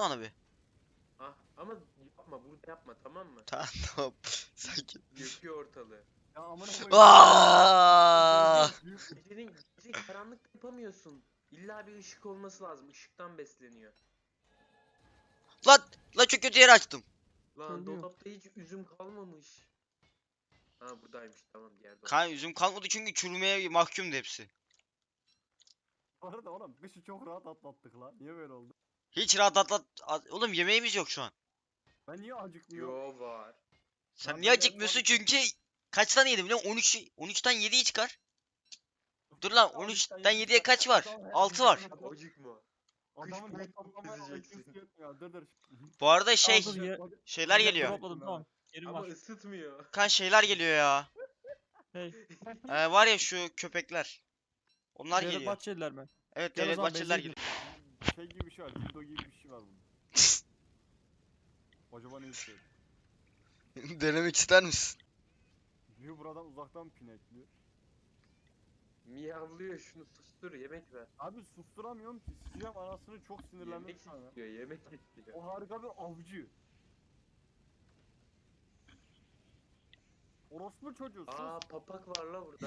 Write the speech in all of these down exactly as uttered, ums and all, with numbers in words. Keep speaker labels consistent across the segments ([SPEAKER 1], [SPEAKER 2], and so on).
[SPEAKER 1] bana bir.
[SPEAKER 2] Ah ama yapma burada yapma tamam mı?
[SPEAKER 1] Tamam tamam. Sakin.
[SPEAKER 2] Yakıyor ortalığı.
[SPEAKER 3] Ya amına koyayım.
[SPEAKER 1] Aaaa!
[SPEAKER 2] Gecenin gece karanlık yapamıyorsun. İlla bir ışık olması lazım. Işıktan besleniyor.
[SPEAKER 1] Lan lan çok kötü yere açtım.
[SPEAKER 2] Lan
[SPEAKER 3] Söylüyor.
[SPEAKER 2] dolapta hiç üzüm kalmamış. Ha buradaymış tamam diğer dolap.
[SPEAKER 1] Kan üzüm kalmadı çünkü çürümeye mahkumdu hepsi.
[SPEAKER 3] Bu arada oğlum kışı çok rahat atlattık lan. Niye böyle oldu?
[SPEAKER 1] Hiç rahat atlat. at- Oğlum yemeğimiz yok şu an.
[SPEAKER 3] Ben niye acıkmıyorum?
[SPEAKER 2] Yo var.
[SPEAKER 1] Sen
[SPEAKER 3] Lan
[SPEAKER 1] niye
[SPEAKER 3] ben de
[SPEAKER 1] acıkmıyorsun
[SPEAKER 3] hep
[SPEAKER 1] çünkü kaç tane yedim biliyor musun? on üç on üçten yediyi çıkar. Dur lan on üçten yediye kaç var? altı var.
[SPEAKER 2] Acıkma.
[SPEAKER 3] Adamın
[SPEAKER 2] Kış
[SPEAKER 3] hesaplamaya
[SPEAKER 2] gezeceksin.
[SPEAKER 3] I Q'su yetmiyor. Dur dur.
[SPEAKER 1] Bu arada şey
[SPEAKER 4] Aa, dur, ye-
[SPEAKER 1] şeyler
[SPEAKER 4] ye-
[SPEAKER 1] geliyor.
[SPEAKER 4] Dropladım tamam. Yerim
[SPEAKER 2] Ama
[SPEAKER 4] var.
[SPEAKER 2] ısıtmıyor.
[SPEAKER 1] Kan şeyler geliyor ya.
[SPEAKER 4] Hey.
[SPEAKER 1] Ee, var ya şu köpekler. Onlar
[SPEAKER 4] Devlet
[SPEAKER 1] geliyor.
[SPEAKER 4] Bahçeliler mi?
[SPEAKER 1] Evet
[SPEAKER 4] Gel o
[SPEAKER 1] devlet
[SPEAKER 4] zaman
[SPEAKER 1] bahçeliler
[SPEAKER 4] benzeyin.
[SPEAKER 1] geliyor.
[SPEAKER 3] Şey gibi bir şey var. Dildo gibi bir şey var bunda. Acaba ne istiyor?
[SPEAKER 1] Denemek ister misin?
[SPEAKER 3] Diyor buradan uzaktan pinekliyor.
[SPEAKER 2] Miyavlıyor şunu sustur yemek ver.
[SPEAKER 3] Abi susturamıyorum ki. Sikeceğim anasını çok sinirlendim
[SPEAKER 2] Yemek
[SPEAKER 3] sana.
[SPEAKER 2] istiyor yemek istiyor.
[SPEAKER 3] O harika bir avcı. Orospu çocuğu sus.
[SPEAKER 2] Aa papak var la burada.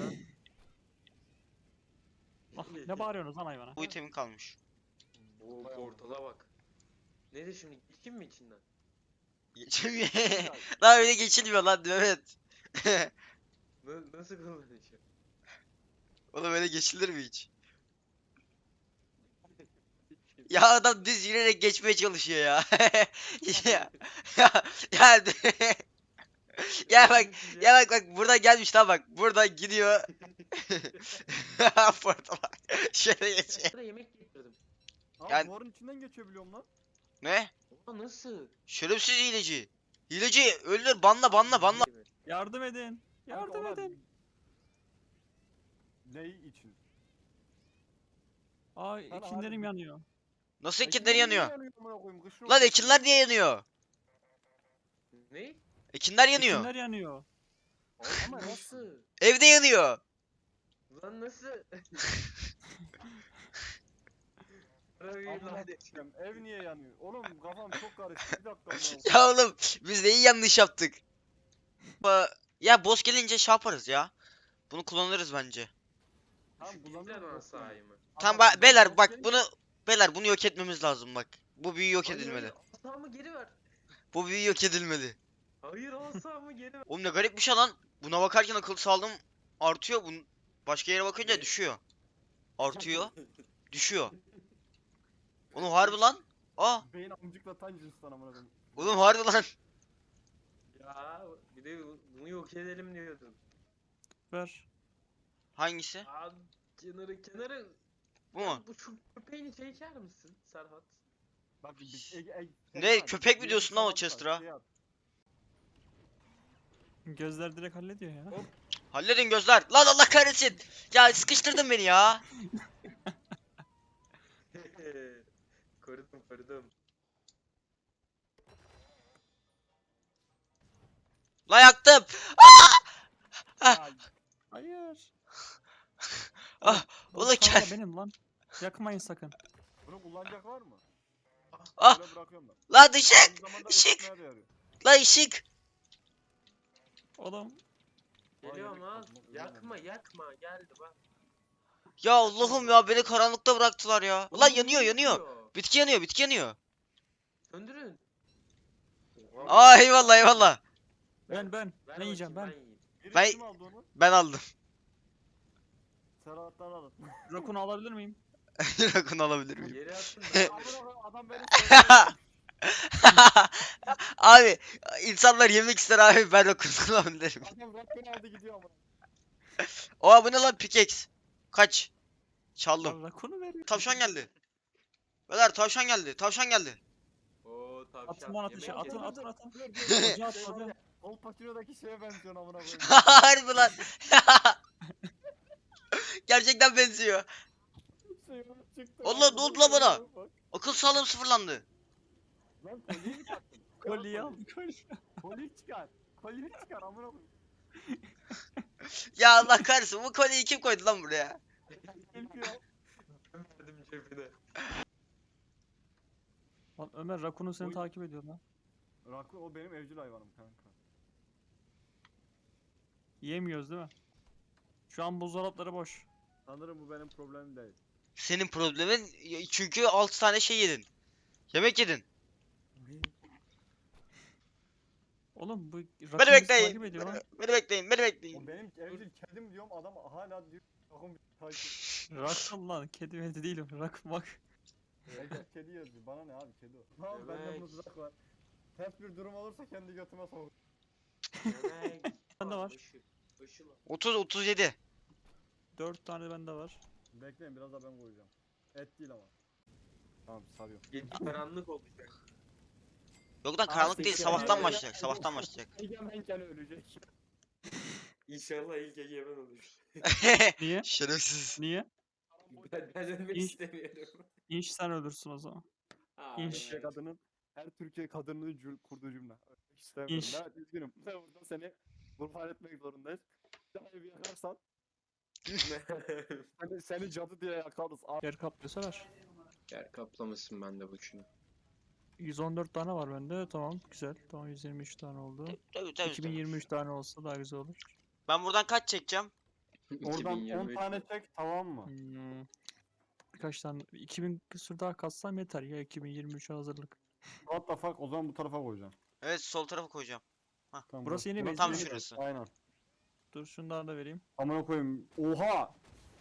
[SPEAKER 4] Ah, ne bağırıyorsunuz lan hayvana?
[SPEAKER 1] Bu itemin kalmış.
[SPEAKER 2] Oo portala bak. Nedir şimdi geçeyim mi içinden?
[SPEAKER 1] Geçemiyor. Lan öyle geçilmiyor lan Mehmet.
[SPEAKER 2] Na- nasıl kullanacağım?
[SPEAKER 1] Oğlum öyle geçilir mi hiç? Ya adam düz yürüyerek geçmeye çalışıyor ya. ya ya ya, ya bak ya bak bak buradan gelmiş lan bak buradan gidiyor. Portala şöyle geçiyor.
[SPEAKER 2] Sana yemek getirdim.
[SPEAKER 3] Abi
[SPEAKER 1] Yani-
[SPEAKER 3] duvarın içinden geçebiliyorum lan.
[SPEAKER 1] Ne?
[SPEAKER 2] Aa nasıl?
[SPEAKER 1] Şerefsiz hileci. Hileci öldür banla banla banla.
[SPEAKER 4] Yardım edin. Yardım
[SPEAKER 3] Kanka ona-
[SPEAKER 4] edin.
[SPEAKER 3] Ne için?
[SPEAKER 4] Aa
[SPEAKER 3] Sana
[SPEAKER 4] ekinlerim
[SPEAKER 3] harbi-
[SPEAKER 4] yanıyor.
[SPEAKER 1] Nasıl
[SPEAKER 3] Ekinler
[SPEAKER 1] ekinler
[SPEAKER 3] niye
[SPEAKER 1] yanıyor?
[SPEAKER 3] amına koyayım? Kışın
[SPEAKER 1] Lan
[SPEAKER 3] ortasında.
[SPEAKER 1] ekinler niye yanıyor?
[SPEAKER 2] Ne?
[SPEAKER 1] Ekinler yanıyor.
[SPEAKER 4] Ekinler yanıyor.
[SPEAKER 2] Ama nasıl?
[SPEAKER 1] Evde yanıyor.
[SPEAKER 2] Lan nasıl? Arayı
[SPEAKER 3] Amına
[SPEAKER 2] lan.
[SPEAKER 3] koyayım, ev niye yanıyor? Oğlum kafam çok karıştı. Bir dakika amına koyayım.
[SPEAKER 1] Ya oğlum biz neyi yanlış yaptık? Ba- Ya boss gelince şey yaparız ya. Bunu kullanırız bence.
[SPEAKER 3] Tamam
[SPEAKER 2] Şu
[SPEAKER 3] kullanıyorum.
[SPEAKER 2] bizden
[SPEAKER 3] yok
[SPEAKER 2] asayı
[SPEAKER 3] yani.
[SPEAKER 2] mı?
[SPEAKER 1] Tamam
[SPEAKER 3] Ama
[SPEAKER 1] ba- beyler
[SPEAKER 3] boss
[SPEAKER 1] bak
[SPEAKER 3] gelince-
[SPEAKER 1] bunu beyler bunu yok etmemiz lazım bak. Bu büyü yok
[SPEAKER 2] Hayır,
[SPEAKER 1] edilmeli.
[SPEAKER 2] hayır, asamı geri ver.
[SPEAKER 1] Bu büyü yok edilmeli.
[SPEAKER 2] Hayır asamı geri ver.
[SPEAKER 1] Oğlum ne garip bir şey lan. Buna bakarken akıl sağlığım artıyor. Bunun başka yere bakınca
[SPEAKER 2] Ne?
[SPEAKER 1] düşüyor. Artıyor, düşüyor. Oğlum harbi lan. Aa,
[SPEAKER 3] Beyin amcıkla tan cinsten amına koyayım.
[SPEAKER 1] oğlum harbi lan.
[SPEAKER 2] Ya bir de bunu yok edelim diyordun.
[SPEAKER 4] Ver.
[SPEAKER 1] Hangisi?
[SPEAKER 2] Aa kenarı kenarı.
[SPEAKER 1] Bu
[SPEAKER 2] Ya
[SPEAKER 1] mu?
[SPEAKER 2] Bu şu köpeğini çeker misin Serhat?
[SPEAKER 3] Bak bir e, e,
[SPEAKER 1] Ne,
[SPEAKER 3] Serhat,
[SPEAKER 1] köpek mi
[SPEAKER 3] bir
[SPEAKER 1] diyorsun lan o
[SPEAKER 3] sabah
[SPEAKER 1] Chester'a?
[SPEAKER 3] şey yap.
[SPEAKER 4] Gözler direkt hallediyor ya.
[SPEAKER 1] Halledin gözler. Lan Allah kahretsin. Ya sıkıştırdın beni ya.
[SPEAKER 2] Korudum korudum.
[SPEAKER 1] Lan yaktım.
[SPEAKER 3] Ya,
[SPEAKER 4] Hayır.
[SPEAKER 1] Ah,
[SPEAKER 4] Bu
[SPEAKER 1] ulan
[SPEAKER 4] kanka
[SPEAKER 1] gel.
[SPEAKER 4] benim lan. Yakmayın sakın.
[SPEAKER 3] bunu kullanacak var mı?
[SPEAKER 1] Ah,
[SPEAKER 3] Böyle bırakıyorum ben.
[SPEAKER 1] lan ışık.
[SPEAKER 3] Aynı zamanda
[SPEAKER 1] ışık.
[SPEAKER 3] ısıtmaya da yarıyor.
[SPEAKER 1] Lan ışık.
[SPEAKER 4] Oğlum.
[SPEAKER 2] Geliyorum
[SPEAKER 3] Vay,
[SPEAKER 2] ha.
[SPEAKER 3] yakma,
[SPEAKER 2] Yakma yakma geldi bak.
[SPEAKER 1] Ya Allah'ım ya beni karanlıkta bıraktılar ya. Lan
[SPEAKER 2] Oğlum,
[SPEAKER 1] yanıyor
[SPEAKER 2] niye
[SPEAKER 1] yanıyor.
[SPEAKER 2] yakıyor?
[SPEAKER 1] Bitki yanıyor bitki yanıyor.
[SPEAKER 2] Söndürün.
[SPEAKER 1] Aa eyvallah eyvallah.
[SPEAKER 4] Ben ben.
[SPEAKER 2] Ver
[SPEAKER 4] Ne yiyeceğim
[SPEAKER 2] bakayım,
[SPEAKER 4] ben?
[SPEAKER 2] yiyeyim.
[SPEAKER 3] Biri
[SPEAKER 1] Ben-
[SPEAKER 3] kim aldı onu?
[SPEAKER 1] Ben aldım.
[SPEAKER 3] Serhat'tan alın.
[SPEAKER 4] Rakunu alabilir miyim?
[SPEAKER 1] Rakun alabilir miyim?
[SPEAKER 2] Yere attın da.
[SPEAKER 3] Amına koyayım, adam beni söylüyor.
[SPEAKER 1] Abi insanlar yemek ister abi ben rakun alabilirim.
[SPEAKER 3] Adam rakını aldı gidiyor ama.
[SPEAKER 1] Oha bu ne lan pickaxe? Kaç? Çaldım.
[SPEAKER 4] Lan rakunu veriyor.
[SPEAKER 1] Tavşan geldi. Beyler tavşan geldi. Tavşan geldi.
[SPEAKER 2] Oo tavşan.
[SPEAKER 4] Atın lan ateşe.
[SPEAKER 2] yemek
[SPEAKER 4] Atın
[SPEAKER 2] yedim.
[SPEAKER 4] atın atın.
[SPEAKER 3] Dur dur.
[SPEAKER 4] Ocağa at
[SPEAKER 3] Şey var
[SPEAKER 4] ocağa.
[SPEAKER 3] ya, Al Pacino'daki şeye benziyorsun amına koyayım.
[SPEAKER 1] Harbi lan. Gerçekten benziyor.
[SPEAKER 3] Şey var, çıktı.
[SPEAKER 1] Allah, ne oldu lan bana? Akıl sağlığım sıfırlandı.
[SPEAKER 3] Lan kolyeyi mi taktın?
[SPEAKER 4] Kolyeyi al. Kolye.
[SPEAKER 3] Kolyeyi çıkar. Kolyeyi çıkar amına koyayım.
[SPEAKER 1] Ya Allah kahretsin bu kolyeyi kim koydu lan buraya?
[SPEAKER 3] Çünkü ya.
[SPEAKER 2] Ben verdim cebine.
[SPEAKER 4] Lan Ömer Rakun'un seni
[SPEAKER 3] Oy.
[SPEAKER 4] takip ediyor lan.
[SPEAKER 3] Rakun o benim evcil hayvanım kanka.
[SPEAKER 4] Yiyemiyoruz değil mi? Şu an buzdolapları boş.
[SPEAKER 3] Sanırım bu benim problemim değil.
[SPEAKER 1] Senin problemin y- çünkü altı tane şey yedin. Yemek yedin.
[SPEAKER 4] Oğlum bu Rakun
[SPEAKER 1] Beni
[SPEAKER 4] bizi
[SPEAKER 1] bekleyin.
[SPEAKER 4] takip ediyor lan.
[SPEAKER 1] Beni bekleyin, beni
[SPEAKER 3] O
[SPEAKER 1] bekleyin.
[SPEAKER 3] benim evcil kedim diyorum adam hala diyor. Rakun bir takip.
[SPEAKER 4] Rakun lan kedi medi değilim. Rakun bak.
[SPEAKER 3] Evcil kedi yazıyor. Bana ne abi kedi o. Tamam bende
[SPEAKER 2] Evet.
[SPEAKER 3] mızrak var. Ters bir durum olursa kendi götüme sok.
[SPEAKER 2] Yemek.
[SPEAKER 4] Bende var.
[SPEAKER 2] Işık. Işıl.
[SPEAKER 1] otuz otuz yedi.
[SPEAKER 4] Dört tane bende var.
[SPEAKER 3] Bekleyin biraz da ben koyacağım. Et değil ama. Tamam sarıyorum.
[SPEAKER 2] Gece karanlık olacak.
[SPEAKER 1] Yok lan
[SPEAKER 4] Aa,
[SPEAKER 1] karanlık değil,
[SPEAKER 4] sekiz-
[SPEAKER 1] sabahtan
[SPEAKER 3] Ya,
[SPEAKER 1] başlayacak,
[SPEAKER 3] ya,
[SPEAKER 1] sabahtan
[SPEAKER 3] ya.
[SPEAKER 1] başlayacak.
[SPEAKER 3] Egemenken ölecek.
[SPEAKER 2] İnşallah ilk egemen olur.
[SPEAKER 4] Niye?
[SPEAKER 1] Şerefsiz.
[SPEAKER 4] Niye?
[SPEAKER 2] Ben, ben ölmek
[SPEAKER 4] İyi.
[SPEAKER 2] istemiyorum.
[SPEAKER 4] İnş sen ölürsün o zaman.
[SPEAKER 2] Aa,
[SPEAKER 4] İnş.
[SPEAKER 3] Türkiye kadının her Türkiye kadının cül, kurduğu cümle. Ölmek istemiyorum.
[SPEAKER 4] İş.
[SPEAKER 3] Ben üzgünüm. Burada seni kurban etmek zorundayız. Bir daha evi yakarsan seni, seni cadı diye yakarız. Abi.
[SPEAKER 4] Yer kaplıyorsa ver.
[SPEAKER 2] Yer kaplamasın bende boşuna.
[SPEAKER 4] yüz on dört tane var bende. Tamam güzel. Tamam yüz yirmi üç tane oldu.
[SPEAKER 1] Tabii tabii.
[SPEAKER 4] iki bin yirmi üç tane olsa daha güzel olur.
[SPEAKER 1] Ben buradan kaç çekeceğim?
[SPEAKER 3] Oradan on
[SPEAKER 2] iki bin yirmi üç.
[SPEAKER 3] tane çek tamam mı?
[SPEAKER 4] Hmm. Birkaç tane iki bin küsur daha katsam yeter ya iki bin yirmi üçe hazırlık.
[SPEAKER 3] What the fuck o zaman bu tarafa koyacağım.
[SPEAKER 1] Evet, sol tarafa koyacağım.
[SPEAKER 3] Tamam,
[SPEAKER 4] Burası yeni base,
[SPEAKER 1] Tam
[SPEAKER 4] yeni
[SPEAKER 1] şurası.
[SPEAKER 3] Aynen.
[SPEAKER 4] Dur şundan da vereyim.
[SPEAKER 3] Amına koyayım. Oha!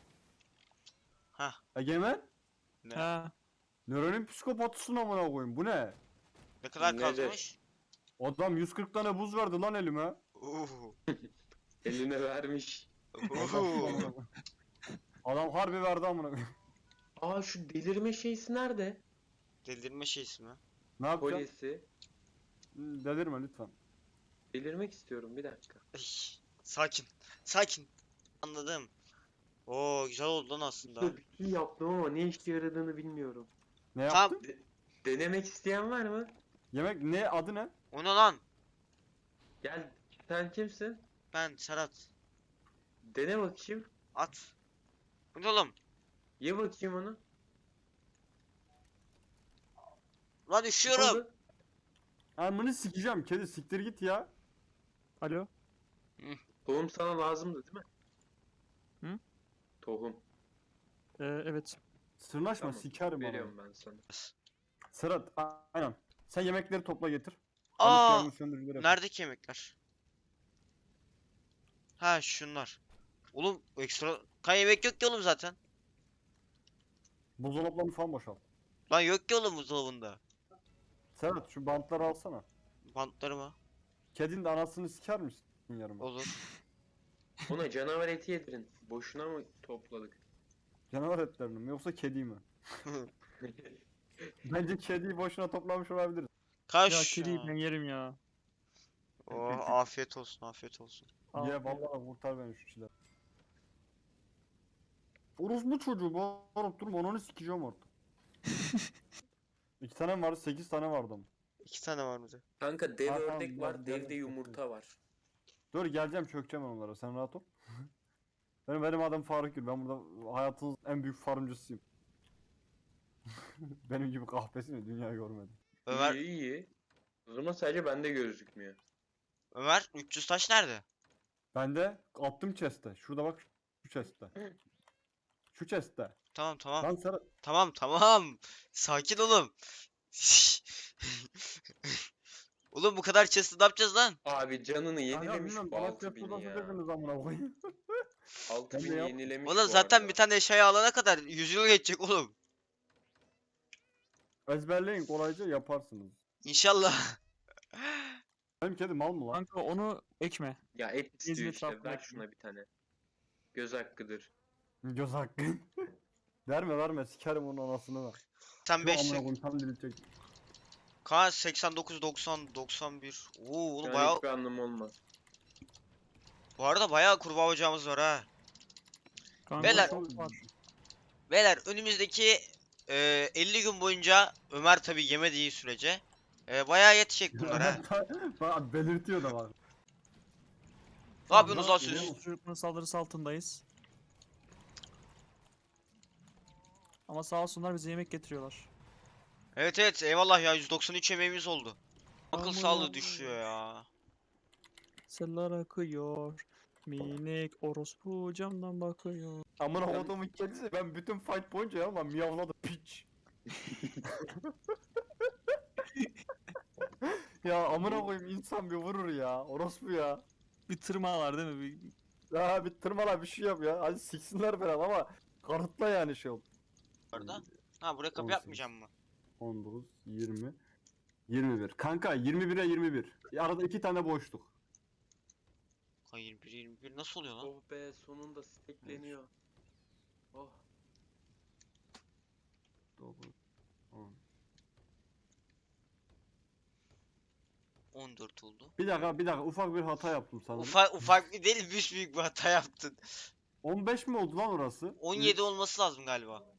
[SPEAKER 1] Hah.
[SPEAKER 3] Egemen?
[SPEAKER 1] Ne?
[SPEAKER 4] Ha.
[SPEAKER 3] Nöronin psikopatısın amına koyayım. Bu ne?
[SPEAKER 1] Ne kadar
[SPEAKER 2] Nedir?
[SPEAKER 1] kalmış?
[SPEAKER 3] Adam yüz kırk tane buz verdi lan elime.
[SPEAKER 1] Uhu.
[SPEAKER 2] Eline vermiş.
[SPEAKER 1] Uhu.
[SPEAKER 3] Adam harbi verdi amına koyayım.
[SPEAKER 2] Aa şu delirme şeysi nerede?
[SPEAKER 1] Delirme şeysi mi?
[SPEAKER 3] Ne yapacağım?
[SPEAKER 2] Kolyesi.
[SPEAKER 3] Hı, Delirme lütfen.
[SPEAKER 2] Delirmek istiyorum bir dakika.
[SPEAKER 1] Ay, sakin. Sakin. Anladım. Oo, güzel oldu lan aslında.
[SPEAKER 2] Dur, bir şey yaptım ama ne işe yaradığını bilmiyorum.
[SPEAKER 3] Ne
[SPEAKER 1] Tamam.
[SPEAKER 3] yaptın?
[SPEAKER 2] Denemek isteyen var mı?
[SPEAKER 3] Yemek ne? Adı ne?
[SPEAKER 1] O ne lan?
[SPEAKER 2] Gel. Sen kimsin?
[SPEAKER 1] Ben Serhat.
[SPEAKER 2] Dene bakayım.
[SPEAKER 1] At. Bu ne oğlum?
[SPEAKER 2] Ye bakayım onu.
[SPEAKER 1] Lan
[SPEAKER 2] Ne
[SPEAKER 1] üşüyorum.
[SPEAKER 2] oldu?
[SPEAKER 3] Amını sikeceğim. Kedi siktir git ya.
[SPEAKER 4] Alo.
[SPEAKER 2] Tohum sana lazımdı değil mi?
[SPEAKER 4] Hı?
[SPEAKER 2] Tohum.
[SPEAKER 4] Ee, evet.
[SPEAKER 3] Sırnaşma
[SPEAKER 2] Tamam,
[SPEAKER 3] sikerim bana.
[SPEAKER 2] Veriyorum ben sana.
[SPEAKER 3] Serhat a- aynen. Sen yemekleri topla getir.
[SPEAKER 1] Aa,
[SPEAKER 3] Yangın söndürücüleri yap.
[SPEAKER 1] neredeki yemekler? Ha, şunlar. Oğlum ekstra kan yemek yok ki oğlum zaten.
[SPEAKER 3] Buzdolaplarını falan boşalt.
[SPEAKER 1] Lan yok ki oğlum buzdolabında.
[SPEAKER 3] Serhat şu bantları alsana.
[SPEAKER 1] Bantları mı?
[SPEAKER 3] Kedinin de anasını siker misin yarım?
[SPEAKER 1] Olur.
[SPEAKER 2] Ona canavar eti yedirin. Boşuna mı topladık?
[SPEAKER 3] Canavar etlerini mi yoksa kedi mi? Bence kediyi boşuna toplamış olabiliriz.
[SPEAKER 1] Kaç.
[SPEAKER 4] Ya kediyi ben yerim ya.
[SPEAKER 1] Oh, afiyet olsun, afiyet olsun.
[SPEAKER 4] Al.
[SPEAKER 3] Ye vallahi kurtar beni şu çile. Orospu çocuğu bağırıp durma onu sikeceğim artık. İki tane mi vardı? Sekiz tane vardı ama.
[SPEAKER 1] İki tane var mıydı?
[SPEAKER 2] Kanka dev
[SPEAKER 3] Ha, tamam,
[SPEAKER 2] ördek
[SPEAKER 3] ben-
[SPEAKER 2] var,
[SPEAKER 3] ben
[SPEAKER 2] devde
[SPEAKER 3] de
[SPEAKER 2] yumurta var.
[SPEAKER 3] Dur geleceğim çökeceğim ben onlara sen rahat ol. benim, benim adım Faruk Gül. Ben burada hayatınız en büyük farmcısıyım. benim gibi kahpesi mi dünya görmedim.
[SPEAKER 1] Ömer,
[SPEAKER 2] İyi iyi. O zaman sadece bende gözükmüyor.
[SPEAKER 1] Ömer üç yüz taş nerede?
[SPEAKER 3] Ben de attım chest'e. Şurada bak şu chest'te. Şu chest'te.
[SPEAKER 1] Tamam tamam.
[SPEAKER 3] Lan Serhat.
[SPEAKER 1] Tamam tamam. Sakin olun. Oğlum bu kadar chest'i ne yapacağız lan?
[SPEAKER 2] Abi canını yenilemiş
[SPEAKER 3] bilmiyorum,
[SPEAKER 2] bu
[SPEAKER 3] bana
[SPEAKER 2] altı
[SPEAKER 3] chest
[SPEAKER 2] bini
[SPEAKER 3] odası
[SPEAKER 2] ya.
[SPEAKER 3] dediniz amına koyayım.
[SPEAKER 2] altı
[SPEAKER 3] Ben de
[SPEAKER 2] bini
[SPEAKER 3] yap-
[SPEAKER 2] yenilemiş
[SPEAKER 1] Oğlum
[SPEAKER 2] bu
[SPEAKER 1] zaten
[SPEAKER 2] arada.
[SPEAKER 1] bir tane eşyayı alana kadar yüz yıl geçecek oğlum.
[SPEAKER 3] Ezberleyin kolayca yaparsınız.
[SPEAKER 1] İnşallah.
[SPEAKER 3] Benim kedi mal mı lan?
[SPEAKER 4] Kanka onu ekme.
[SPEAKER 2] Ya et istiyor
[SPEAKER 4] İzmir
[SPEAKER 2] işte.
[SPEAKER 4] tarafına
[SPEAKER 2] Ver
[SPEAKER 4] yakın.
[SPEAKER 2] şuna bir tane. Göz hakkıdır.
[SPEAKER 3] Göz hakkı. verme verme sikerim onun anasını ver.
[SPEAKER 1] Sen
[SPEAKER 3] Şu
[SPEAKER 1] beş.
[SPEAKER 3] amına koyayım tam dilecek.
[SPEAKER 1] Kaan seksen dokuz, doksan, doksan bir. Oo oğlum
[SPEAKER 2] Yani
[SPEAKER 1] bayağı.
[SPEAKER 2] hiçbir anlamı olmaz.
[SPEAKER 1] Bu arada bayağı kurbağa ocağımız var ha.
[SPEAKER 4] Kanka
[SPEAKER 1] Beyler-
[SPEAKER 4] çok var.
[SPEAKER 1] Beyler önümüzdeki e, elli gün boyunca Ömer tabi yemediği sürece e, bayağı yetecek bunlar ha.
[SPEAKER 3] Bak belirtiyor da var.
[SPEAKER 1] Ne yapıyorsunuz lan
[SPEAKER 4] Biliyor
[SPEAKER 1] siz?
[SPEAKER 4] musun? Çocukların saldırısı altındayız. Ama sağ olsunlar bize yemek getiriyorlar.
[SPEAKER 1] Evet evet eyvallah ya yüz doksan üç emeğimiz oldu. Akıl
[SPEAKER 4] Aman
[SPEAKER 1] sağlığı
[SPEAKER 4] Allah'ım.
[SPEAKER 1] düşüyor ya.
[SPEAKER 4] Seller akıyor. Minik orospu camdan bakıyor.
[SPEAKER 3] Amına
[SPEAKER 2] Ben-
[SPEAKER 3] kodumun kedisi, ben bütün fight boyunca ya lan miyavladı piç. Ya amına koyayım, insan bir vurur ya. Orospu ya.
[SPEAKER 4] Bir tırma var değil mi? Bir...
[SPEAKER 3] Ya bir tırmala bir şey yap ya. Hadi siksinler falan ama kanıtla yani şey ol.
[SPEAKER 1] Orada. Ha buraya kapı
[SPEAKER 3] on sekiz.
[SPEAKER 1] yapmayacağım mı?
[SPEAKER 3] on dokuz, yirmi, yirmi bir. Kanka yirmi bire yirmi bir. Arada iki tane boşluk.
[SPEAKER 1] Ha yirmi bir yirmi bir nasıl oluyor lan?
[SPEAKER 2] Oh be sonunda stekleniyor. Oh.
[SPEAKER 3] dokuz, on.
[SPEAKER 1] on dört oldu.
[SPEAKER 3] Bir dakika bir dakika, ufak bir hata yaptım sanırım.
[SPEAKER 1] Ufak ufak bir değil büyük büyük bir hata yaptın.
[SPEAKER 3] on beş mi oldu lan orası?
[SPEAKER 1] on yedi olması lazım galiba.